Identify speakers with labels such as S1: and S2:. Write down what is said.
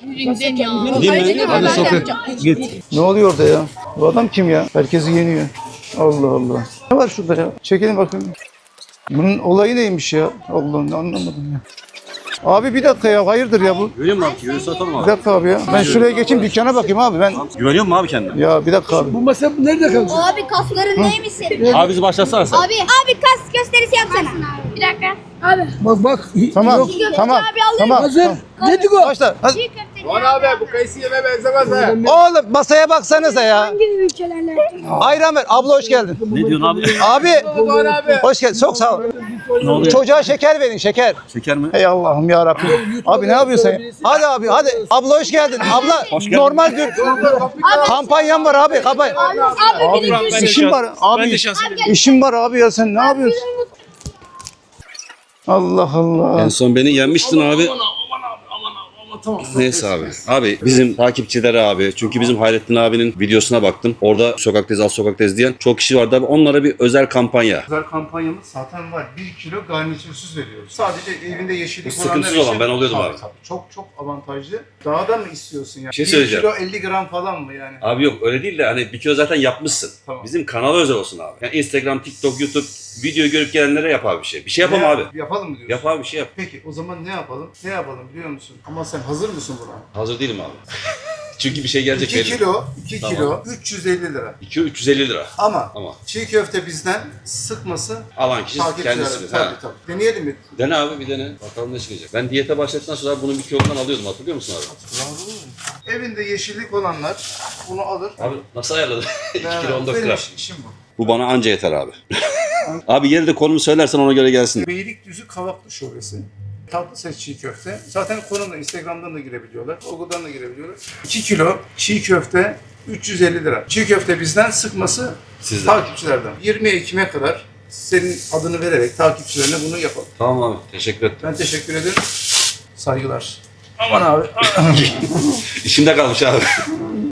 S1: Gidin ya.
S2: Gideyim mi? Hadi sokak. Git. Ne oluyor orada ya? Bu adam kim ya? Herkesi yeniyor. Allah Allah. Ne var şurada ya? Çekelim bakayım. Bunun olayı neymiş ya? Allah'ım anlamadım ya. Abi bir dakika ya, hayırdır ya bu?
S3: Güveniyor musun abi? Güveniyor satalım
S2: Bir
S3: abi.
S2: dakika abi ya. Ben şuraya geçeyim, dükkana bakayım abi ben.
S3: Güveniyor musun abi kendine?
S2: Ya bir dakika abi.
S4: Bu masa nerede kalacak?
S5: Abi kasların neymiş senin?
S3: Abi bizi başlatsana sen.
S5: Abi kas gösterisi yapsana. Bir dakika. Abi.
S4: Bak.
S2: Tamam,
S4: Yok.
S2: tamam,
S5: Abi alayım.
S2: tamam.
S4: Hazır. Dedik o.
S2: Başla. Hadi.
S5: Çiğ köfte.
S6: Doğan abi bu kayısı yeme benzemez ha.
S2: Oğlum masaya baksanıza ya.
S5: Hangi ülkelerle?
S2: Ayran ver. Abla hoş geldin.
S3: Ne diyorsun abi?
S2: Abi.
S6: Doğan abi.
S2: Hoş geldin. Çok sağ ol.
S3: Ne oluyor?
S2: Çocuğa şeker verin, şeker.
S3: Şeker mi?
S2: Ey Allah'ım ya Rabbim. Abi ne yapıyorsun ya? Hadi abi hadi. Abla hoş geldin. Abla
S3: geldin.
S2: normal dün kampanyam var abi. Kampanya.
S5: Abi bir
S2: İşim var abi. İşim var abi ya, sen ne yapıyorsun? Allah Allah.
S3: En son beni yenmiştin abi. Neyse abi. Abi bizim takipçileri abi. Çünkü bizim Hayrettin abinin videosuna baktım. Orada sokaktayız, az sokaktayız diyen çok kişi vardı abi. Onlara bir özel kampanya.
S2: Özel kampanyamız zaten var. 1 kilo garnitürsüz veriyoruz. Sadece evinde yeşillik
S3: Bu sıkıntısız olan, ben alıyordum abi.
S2: Tabii, çok avantajlı. Daha da mı istiyorsun ya?
S3: Bir şey
S2: 1
S3: söyleyeceğim.
S2: kilo 50 gram falan mı yani?
S3: Abi yok öyle değil de hani bir kilo zaten yapmışsın.
S2: Tamam.
S3: Bizim kanala özel olsun abi. Yani Instagram, TikTok, YouTube video görüp gelenlere yap abi bir şey. Bir şey yapalım abi.
S2: Yapalım mı diyorsun?
S3: Yap abi bir şey yap.
S2: Peki o zaman ne yapalım? Ne yapalım biliyor musun? Ama sen hazır mısın buna?
S3: Hazır değilim abi. Çünkü bir şey gelecek
S2: 2
S3: belli.
S2: kilo, 2
S3: Tamam.
S2: kilo 350 lira.
S3: 2 350 lira.
S2: Ama
S3: Ama
S2: çiğ köfte bizden, sıkması
S3: alan kişi
S2: takipçilerden.
S3: kendisi.
S2: Tabii
S3: Ha.
S2: tabii. Deneyelim mi?
S3: Dene abi bir dene. Bakalım ne çıkacak. Ben diyete başladıktan sonra bunun bir kilodan alıyordum, hatırlıyor musun abi?
S2: Evinde yeşillik olanlar bunu alır.
S3: Abi nasıl ayarladın? 2
S2: Beraber.
S3: kilo 14
S2: Benim
S3: gram.
S2: işim bu.
S3: Bu bana anca yeter abi. Abi yeri de konumu söylersen ona göre gelsin.
S2: Beylikdüzü Kavaklı Şubesi. Tatlıses çiğ köfte. Zaten konumda Instagram'dan da girebiliyorlar. Google'dan da girebiliyorlar. 2 kilo çiğ köfte 350 lira. Çiğ köfte bizden, sıkması
S3: Sizden.
S2: takipçilerden. 20 Ekim'e kadar senin adını vererek takipçilerine bunu yapalım.
S3: Tamam abi. Teşekkür ederim.
S2: Ben teşekkür ederim. Saygılar. Aman abi.
S3: İşimde kalmış abi.